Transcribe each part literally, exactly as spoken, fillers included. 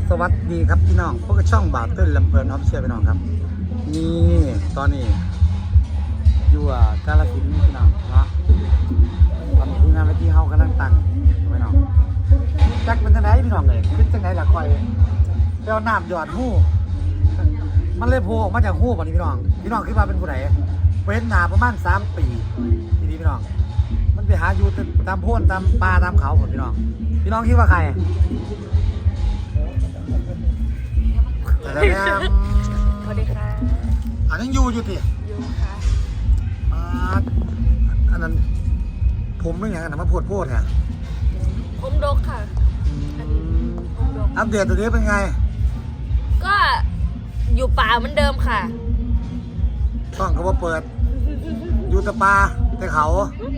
สวัสดีครับพี่น้องพวกช่องบ่าวเต้นลำเพลินออฟเชียร์พี่น้องครับนี่ตอนนี้อยู่อ่ะกาฬสินธุ์พี่น้องเนาะตอนนี้ทีมงานไปที่เฮากำลังตั้งพี่น้องจักเป็นจังไหนพี่น้องเลยเป็นจังไหนล่ะคอยไปเอาน้ำหยอดหู้มันเลยโผล่ออกมาจากหู้ป่ะนี่พี่น้องพี่น้องคิดว่าเป็นผู้ใดเป็นหนาประมาณสามปีทีนี้พี่น้องมันไปหาอยู่ตามโพ่นตามป่าตามเขาหมดพี่น้องพี่น้องคิดว่าใครสวัสดีค่ะสวัสดีค่ะอันนั้นยูอยู่ติยูค่ะอันนั้นผมไม่อย่างนั้นมาพูดพูดเนี่ยผมดกค่ะอันนี้ผมดกอัปเดตตัวนี้เป็นไงก็อยู่ป่าเหมือนเดิมค่ะช่องเขาว่าเปิดอยู่แต่ป่าแต่เขา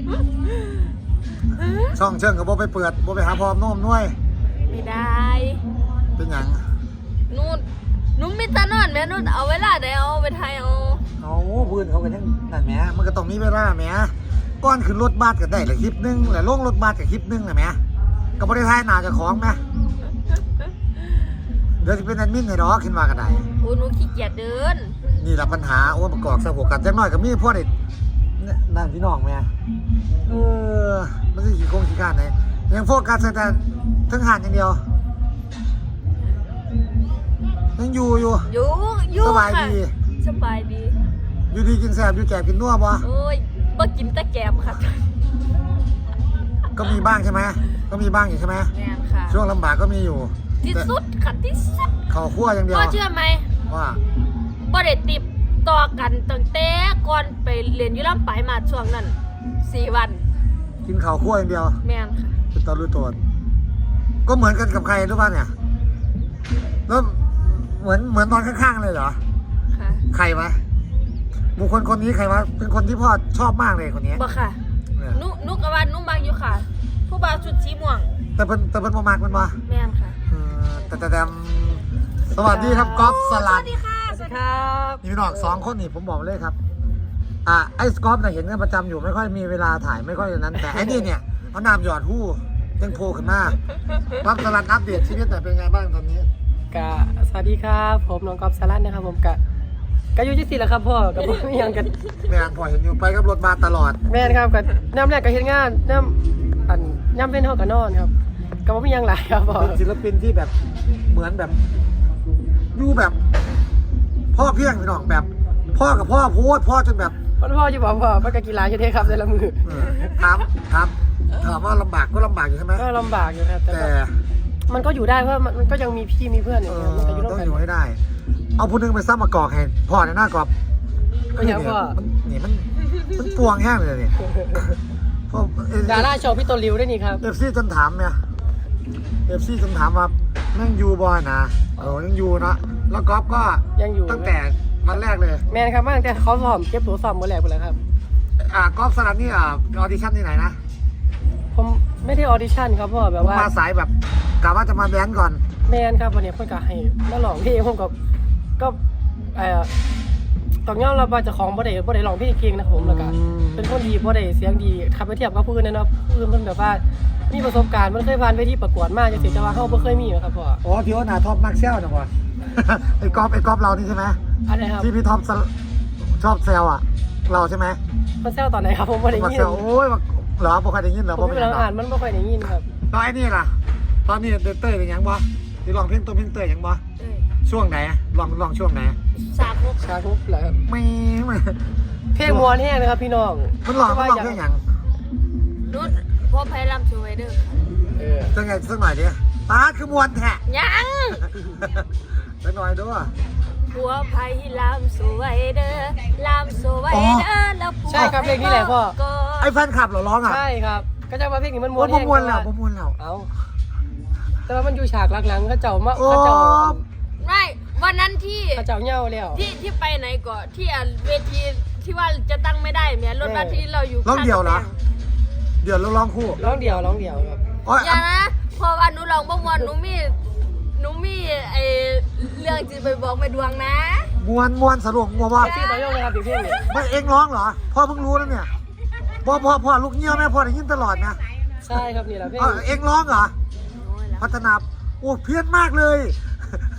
ช่องเชิงเขาบอกไปเปิดบอกไปหาพร้อมโน้มน้วยไม่ได้เป็นอย่างนู่นนุ่มมิตรนอนแม่นุ่นเอาเวลาได้เอาไปไทยเอาเอาพื้นเขากันยังนั่นแหมมันก็ต้องมีเวลาแหมก้อนขึ้นรถบัสก็ได้ละคลิปนึงแหละลงรถบัสกับคลิปนึงแหละแหมก็บริไทยหนาจะของไหมเดี๋ยวจะเป็นแอดมินให้ดอกขึ้นมากันได้โอ้หนูขี้เกียจเดินนี่แหละปัญหาโอ้ประกอบสะโพกกันจังน้อยกับมีพวกเด็กนั่นพี่น้องแม่เออมันจะขี่โค้งขี่การไหนยังโฟกัสแต่ทั้งหันอย่างเดียวยังอยู่อยู่อยู่อยู่สบายดีสบายดีอยู่ดีกินแซ่บอยู่แก่กินนัวบ่โอ้ยบ่กินตะแกมค่ะก็มีบ้างใช่ไหมก็มีบ้างอยู่ใช่ไหมแม่ค่ะช่วงลำบากก็มีอยู่ที่สุดค่ะที่สุดข้าวคั่วอย่างเดียวพ่อเชื่อไหมว่าบ่ได้ติดต่อกันตั้งแต่ก่อนไปเรียนอยู่ลำปลายมาช่วงนั้นสี่วันกินข้าวคั่วอย่างเดียวแม่ค่ะเป็นตอนรู้ตัวก็เหมือนกันกับใครรู้ป่ะเนี่ยแล้วเหมือนเหมือนตอนข้างๆเลยเหรอค่ะใครวะบุคคลคนนี้ใครวะเป็นคนที่พ่อชอบมากเลยคนนี้บ่ค่ะนุนุกว่านุมักอยู่ค่ะผู้บ่าวชุดสีม่วงแต่เป็นแต่เป็นประมาณมันวะแม่นค่ะแต่แต่แต่สวัสดีครับก๊อฟสลัดสวัสดีค่ะสวัสดีครับนี่พี่น้องสองคนนี่ผมบอกเลยครับอ่ะไอ้ก๊อฟเนี่ยเห็นกันประจำอยู่ไม่ค่อยมีเวลาถ่ายไม่ค่อยอย่างนั้นแต่ไอ้นี่เนี่ยเอาน้ำหยอดหู้ยังโผล่ขึ้นมาก๊อฟสลัดอัปเดตชีวิตหน่อยเป็นไงบ้างตอนนี้กะสวัสดีครับผมน้องก๊อฟสลัดนะครับผมกะกะอยู่ที่สี่แล้วครับพ่อกับพ่อไม่ยังกันแม่พ่อเห็นอยู่ไปกับรถมาตลอดแม่ครับกับน้ำแรกกับเฮ็ดงานน้ำอันน้ำเล่นห้องกับนอนครับกับพ่อไม่ยังหลายครับพ่อเป็นศิลปินที่แบบเหมือนแบบอยู่แบบพ่อเพียงพี่น้องแบบพ่อกับพ่อโพสพ่อจนแบบพ่อพ่อจะบอกพ่อพ่อกับกีฬาใช่ไหมครับในละมือถามถามถามว่าลำบากก็ลำบากอยู่ใช่ไหมก็ลำบากอยู่ครับแต่มันก็อยู่ได้เพราะมันก็ยังมีพี่มีเพื่อนอยู่มันก็อยู่ต้องอยู่ให้ได้เอาผู้นึงไปซ้ำมากอกให้พ่อในหน้ากรอบก็ยังพ่อนี่มันมันปวงแห้งเลยเนี่ยดาราโชว์พี่ตัวริ้วด้วยนี่ครับเอฟซีจนถามเนี่ยเอฟซีจนถามว่านั่งยูบอยนะเออยังยูนะแล้วกอล์ฟก็ยังอยู่ตั้งแต่วันแรกเลยแมนครับมาตั้งแต่เขาสอบเก็บตัวสอบวันแรกไปแล้วครับอ่ากอล์ฟสลัดนี่อ่าออดิชั่นที่ไหนนะผมไม่ได้ออดิชั่นครับพ่อแบบว่ามาสายแบบกะว่าจะมาแบนก่อนแมนครับวันนี้เพื่อนกะให้มาหลองพี่ผมกับก็เอ่อตอนนี้เราจะของบ่ได้บ่ได้ลองพี่เก่งนะผมแล้วก็เป็นคนดีบ่ได้เสียงดีขับไปเทียบกับผู้อื่นนะเนาะผู้อื่นเพิ่นแบบว่ามีประสบการณ์มันเคยผ่านเวทีประกวดมาจังซี่แต่ว่าเฮาบ่เคยมีครับพ่ออ๋อที่ว่าหน้าท็อปมักเซลนะพ่อไอ้กอล์ฟไอ้กอล์ฟเรานี่ใช่ไหมอันไหนครับที่พี่ท็อปชอบแซวอ่ะเราใช่ไหมมันแซวตอนไหนครับผมบ่ได้ยินโอ้ยเหรอบ่เคยได้ยินเหรอผมไม่ได้อ่านมันบ่ค่อยได้ยินครับแล้วไอ้นี่ล่ะตอนนี้เต้ยเป็นยังบ่ที่ลองเพลงตัวเพลงเต้ยยังบ่ช่วงไหนลองลองช่วงไหนสาคุกสาคุกเหรอครับไม่ไม่เพลงมวนแห้งนะครับพี่น้องมันลองมันลองเพลงยังรุ่นพ่อไพลัมชูไวเดอร์เออจะไงสักหน่อยดิตาคือมวนแท้ยังสักหน่อยด้วยผัวไพลัมชูไวเดอร์ลัมชูไวเดอร์แล้วใช่ครับเพลงนี้แหละพ่อไอ้แฟนคลับเหรอร้องอ่ะใช่ครับก็จะมาเพลงนี้มันมวนแห้งมวนแล้วมวนแล้วเอ้าแต่ว่ามันอยู่ฉากหลังๆเขาเจ้ามาเขาเจ้าไม่วันนั้นที่เขาเจ้าเงาแล้วที่ที่ไปไหนก่อนที่เวทีที่ว่าจะตั้งไม่ได้แม้รถบัสที่เราอยู่ร้องเดี่ยวเหรอเดี่ยวแล้วร้องคู่ร้องเดี่ยวร้องเดี่ยวครับอย่านะพอวันหนูร้องบ่มวนหนูมีหนูมีไอเรื่องจะไปบอกแม่ดวงนะมวนมวนสรุปมวนว่าพี่ต่อยงเลยครับพี่เพ่งไม่เองร้องเหรอพ่อเพิ่งรู้แล้วเนี่ยพ่อพ่อพ่อลูกเงี้ยวแม่พ่อได้ยินตลอดนะใช่ครับนี่แหละพี่เองร้องเหรอพัฒนาโอ้เพี้ยนมากเลย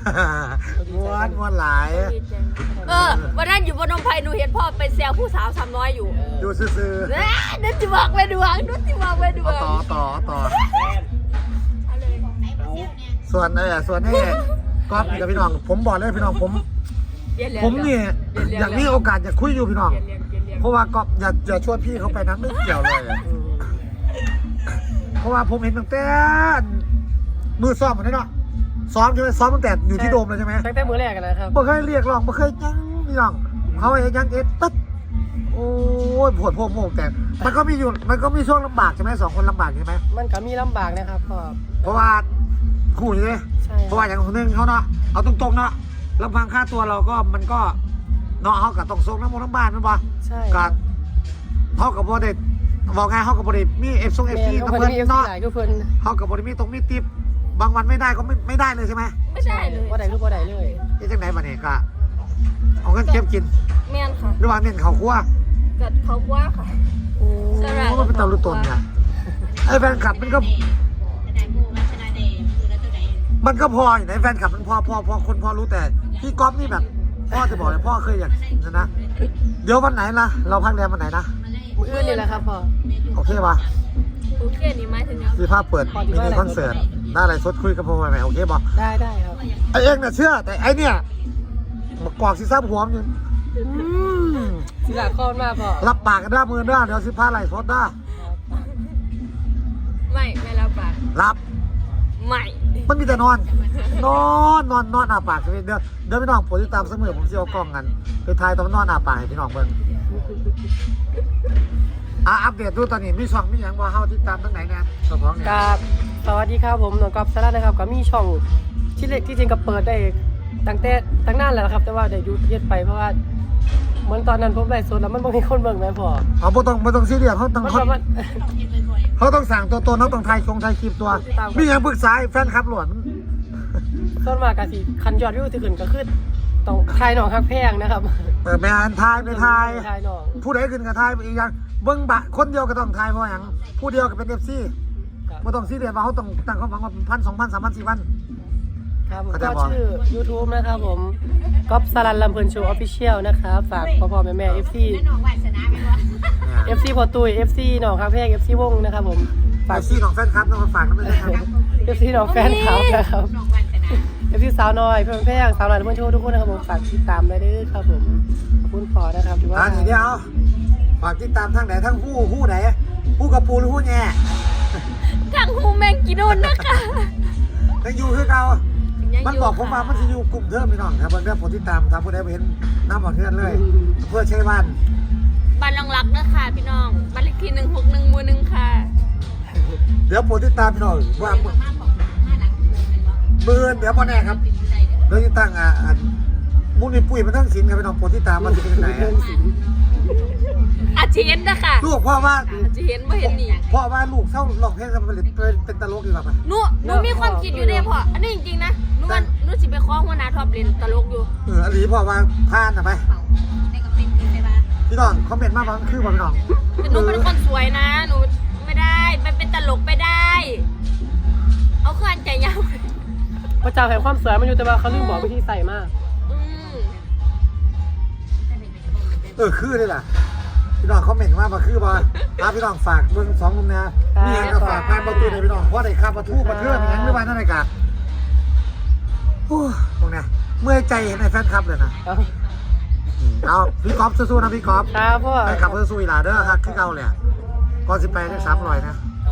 ม้วนม้วนหลายดีใจเออวันนั้นอยู่บนนมไผ่หนูเห็นพ่อไปแซวผู้สาวสามน้อยอยู่อยู่ซื่อเอ้ยนึกจะบอกไปดวงนึกจะบอกไปดๆวเอางต่อต่อต่อเอาเลยส่วนไอ้ส่วนนี่ก๊อฟกับพี่น้องผมบอกเลยพี่น้องผมเรียนเรียนผมเนี่ยอยากมีโอกาสอยากคุยอยู่พี่น้องเรียนเรียนเรียนเรียนเพราะว่าก๊อฟอย่าอย่าชวนพี่เขาไปนั้นไม่เกี่ยวเลยอะเพราะว่าผมเห็นตั้งแต่มือซ้อมมันนี่เนาะซ้อมใช่ไหมซ้อมตั้งแต่อยู่ที่โดมเลยใช่ไหมตั้งแต่มื้อแรกกันนะครับบ่เคยเรียกร้องบ่เคยยังพี่น้องเขาเองยังเอ็ดตึ๊ดโอ้ยปวดพวกโมกแต่มันก็มีอยู่มันก็มีช่วงลำบากใช่ไหมสองคนลำบากใช่ไหมมันก็มีลำบากนะครับพ่อเพราะว่าคู่อยู่เลยใช่เพราะว่าอย่างคนหนึงเขาเนาะเอาตรงๆเนาะลำพังค่าตัวเราก็มันก็เนาะเขากับต้องส่งน้ำมันน้ำบ้านนั่นปะใช่กับเท่ากับบริษัทบอกไงเขากับบริษัทมีเอฟซงเอฟแม่ซีเขาน้ำเพิ่เงินนมีเอฟซีเนาะหลายก็เพิ่นเขากับบริษัทมีตรงมีติปบางวันไม่ได้ก็ไม่ไม่ได้เลยใช่ไหมไม่ใช่เลยบ่ได้คือบ่ได้เลยนี่จังไหนบ้านี่ก็เอาเงินเก็บกินแม่นค่ะหรือว่าเน้นเขาคั่วกัดเขากว่าค่ะโอ้สลายมันเป็นตาลุตนไงไอ้แฟนคลับมันก็มันก็พออยู่ในแฟนคลับมันพอพอพอคนพอรู้แต่พี่ก๊อฟนี่แบบพ่อจะบอกเลยพ่อเคยอยากนะนะเดี๋ยววันไหนล่ะเราพักแรมวันไหนนะมื้ออื่นนี่แหละครับพ่อโอเคป่ะโอเคนี่หมายถึงยังพี่ภาพเปิดมินิคอนเสิร์ตได้อะไรสดคุยกับพ่อไหมโอเคป่ะได้ได้ครับไอเองน่ะเชื่อแต่ไอเนี่ยมากอกซีซ่าหัวมันอยู่อืมสิลาคอนมาพ่อรับปากกันได้มือได้เดี๋ยวสิพาไหลสดได้ไม่ไม่รับปากรับไม่มันมีแต่นอน นอนนอนนอนอาปากเดี๋ยวเดี๋ยวพี่น้องโปรดติดตามเสมอผมจะเอากล้องกันไปถ่ายตอนนอนอาปากให้พี่น้องเบิ่งอ่ะอัปเดตดูตอนนี้มีช่องมีอย่างว่าเฮาติดตามทางไหนเนี่ยเจ้าของเนี่ยกับสวัสดีครับผมหนองกอล์ฟสาระนะครับก็มีช่องที่เล็กที่จริงก็เปิดได้ตั้งแต่ตั้งนานแล้วนะครับแต่ว่าได้หยุดเฮ็ดไปเพราะว่าเหมือนตอนนั้นผมไลฟ์สดแล้วมันบ่มีคนเบิ่งแม่พ่อเอาบ่ต้องบ่ต้องซีเรียสเฮาต้องมันเขาก็มันเขาต้องสั่งตัวตนเขาต้องถ่ายคงถ่ายคลิปตัวตามมีอย่างปรึกษาให้แฟนคลับหลวนส่วนมากก็สิคันยอดวิวที่ขึ้นก็คือต้องทายหนองฮักแพงนะครับเปิดแม่นถ่ายไปถ่ายทายหนองผู้ใดขึ้นก็ถ่ายไปอีกอย่างเบิ่งบะคนเดียวก็ต้องถ่ายเพราะหยังผู้เดียวก็เป็น เอฟ ซี บ่ต้องซีเรียสว่าเขาต้องตั้งความหวังว่าพันสองพันสามพันสี่พันครับผมเข้าใจก็บ่ชื่อ YouTube นะครับผมก๊อฟสารันลำเพลินโชว์ออฟฟิเชียลนะครับฝากพ่อพ่อแม่แม่ เอฟ ซี เอฟ ซี พอตุย เอฟ ซี หนองฮักแพง เอฟ ซี วงนะครับผมฝาฝาก กซีของแฟนคลับต้องมาฝากนะไม่ใช่ครับเอฟ ซี หนองแฟนคลับนะครับ เอฟซีสาวน้อยเพื่อนแพงสาวน้อยเพื่อนโชว์ทุกคนนะครับผมฝากติดตามเลยเด้อครับผมขอบคุณพอนะครับถือว่าอ่าทีเดียวฝากติดตามทางไหนทั้งผู้ผู้ไหนผู้กับปูหรือผู้แง่ทางฮูแมงกินุนนะคะยังอยู่คือเก่ายังมันยู่บอกผมว่ามันจะอยู่กลุ่มเดิมพี่น้องครับเพื่อนผมติดตามทำผู้ใดไปเห็นน้ำบอกเทือนเลย เพื่อใช้บ้านบ้านรองรักนะคะพี่น้องบ้านเลขที่หนึ่งหกหนึ่งหมู่หนึ่งค่ะเดี๋ยวผมติดตามพี่น้องว่าเบื่อเดี๋ยวพอแน่ครับเดี๋ยวจะตั้งอ่าอันมุกนี่ปุ้ยมันตั้งสินครับพี่น้องผมติดตามมันจะเป็นไหนอาจจะเห็นนะคะลูกพ่อว่าอาจจะเห็นไม่เห็นนี่พ่อว่าลูกเศร้าหลอกเพลงกันเป็นเป็นตลกดีกว่าปะหนูหนูมีความคิดอยู่เด้พ่ออันนี้จริงๆนะหนูว่าหนูสิไปคล้องหัวหน้าท็อปเล่นตลกอยู่เอออันนี้พ่อว่าพลาดนะไปพี่น้องคอมเมนต์มาบ้างคือบอกพี่น้องแต่หนูเป็นคนสวยนะหนูไม่ได้ไปเป็นตลกไม่ได้ เอาเคลื่อนใจยาวพระเจ้าแห่งความสวยมันอยู่แต่ว่าเขาลืมบอกวิธีใส่มากอืมเออคือเลยล่ะพี่น้องคอมเมนต์มาบ่คือบ่อ่ะพี่น้องฝากเบิ่งสองมุมนะนี่ยังก็ฝากการประตูในพี่น้องเพราะได้ค่าประตูประเทือนอย่างหรือว่านั่นไงกะโอ้ตรงเนี้ยเมื่อยใจเห็นไอ้แฟนคลับเลยนะเอาเอาพี่ก๊อฟสู้ๆนะพี่ก๊อฟครับพ่อแฟนคลับสู้ๆอีหลาเด้อฮักคือเก่าเลยก่อนสิไปได้สามร้อยนะเอา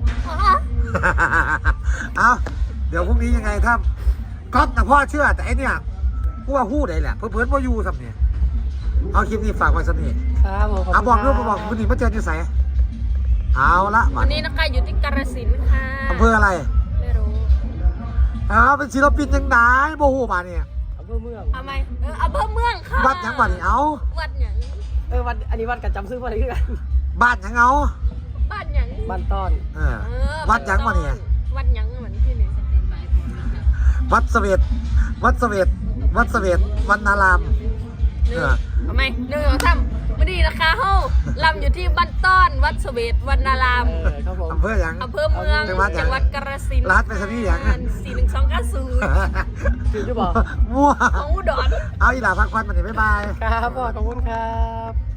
เอาเดี๋ยวพรุ่งนี้ยังไงถ้าก๊อฟนะพ่อเชื่อแต่ไอเนี่ยกูว่าหู้ได้แหละเพื่อนๆว่าอยู่สำเนี่ยเอาคลิปนี้ฝากไว้สำเนี่ยครับผมเอาบอกเรื่องบอกวันนี้มาเจอที่ไหนเอาละวันนี้นะคะอยู่ที่กาฬสินธุ์ค่ะอำเภออะไรไม่รู้เอาเป็นศิลปินยังไงโมโหมาเนี่ยอำเภอเมืองทำไมเอออำเภอเมืองค่ะวัดยังบ้านนี่เอาวัดหยังเออวันอันนี้วันกับจำซื้อวันอะไรกันบ้านยังเอาบ้านหยังบ้านต้อนเออเออวัดยังวะเนี่ยวัดหยังเหมือนที่นี่วัดเสวตวัดเสวตวัดเสวตวันนารามหนึ่เอง อทำไมหนึ่งสองสามวันนี้นะคะเฮาลำอยู่ที่บ้านต้อนวัดเสวตวรรณารามเออครับผมอำเภอหยังอำเภอเมืองจังหวัดหยังจังหวัดกาฬสินธุ์รัดไปซะพี่หยังสี่หนึ่งสองเก้าศูนย์คือจะบอกมั่วของอุดรเอาอีหลาพักควันมาหนิบ๊ายบายครับพ่อขอบคุณครับ